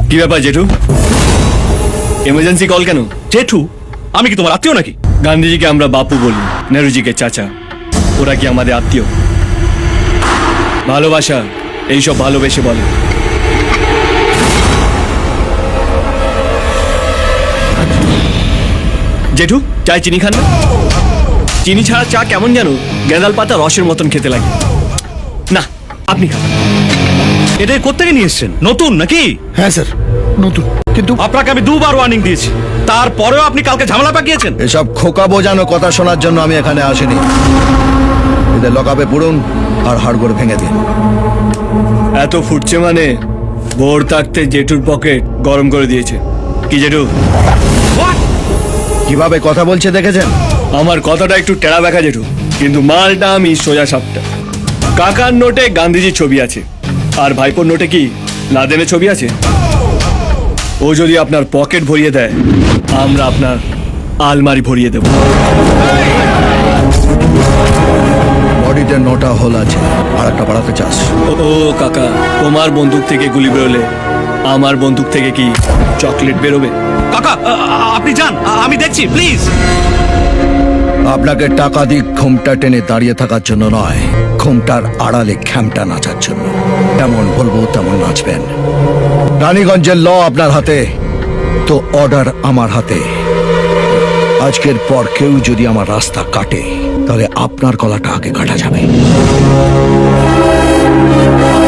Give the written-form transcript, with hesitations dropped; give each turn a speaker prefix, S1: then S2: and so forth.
S1: কি ব্যাপার জেঠু? এমার্জেন্সি কল কেন?
S2: জেঠু, আমি কি তোমার আত্মীয় নাকি?
S1: গান্ধীজিকে আমরা বাপু বলি, নেহরুজিকে চাচা। ওরা কি আমাদের আত্মীয়? ভালোবাসা এইসব ভালোবেসে বলে। জেঠু, চায় চিনি খান না? চিনি ছাড়া চা কেমন জানো, গেঁদাল পাতা রসের মতন খেতে লাগে। না, আপনি খান।
S2: এটা কোত্থেকে নিয়ে এসছেন? নতুন নাকি?
S3: হ্যাঁ স্যার, নতুন। কিন্তু
S2: আপনাকে আমি 2বার ওয়ার্নিং দিয়েছি, তারপরেও আপনি কালকে ঝামেলা পাকিয়েছেন।
S3: এসব খোকা বোঝানো কথা শোনার জন্য আমি এখানে আসিনি। এদের লকআপে পুরুন আর হাড়গোড় ভেঙে দিন।
S1: এত ফুটছে মানে ভোর থাকতে জেঠুর পকেট গরম করে দিয়েছে। কি জেঠু?
S3: কিভাবে কথা বলছে দেখেছেন?
S1: আমার কথাটা একটু টেরা ব্যাখা জেঠু, কিন্তু মালটা আমি সোজা সাপটা। কাকার নোটে গান্ধীজির ছবি আছে, আর ভাইপোর নোটে কি লাদেনের ছবি আছে? ও যদি আপনার পকেট ভরিয়ে দেয়, আমরা আপনার আলমারি ভরিয়ে দেব।
S3: বডিতে 9টা হোল আছে, আর একটা বাড়াতে চাস?
S1: ও কাকা, তোমার বন্দুক থেকে গুলি বেরোলে আমার বন্দুক থেকে কি চকলেট বেরোবে?
S2: কাকা, আপনি যান, আমি দেখছি, প্লিজ।
S3: আপনাকে টাকা দিয়ে ঘুমটা টেনে দাঁড়িয়ে থাকার জন্য নয়, ঘুমটার আড়ালে খ্যামটা নাচার জন্য। যেমন বলবো তেমন নাচবেন। রানীগঞ্জের ল আপনার হাতে, তো অর্ডার আমার হাতে। আজকের পর কেউ যদি আমার রাস্তা কাটে, তাহলে আপনার গলাটা আগে কাটা যাবে।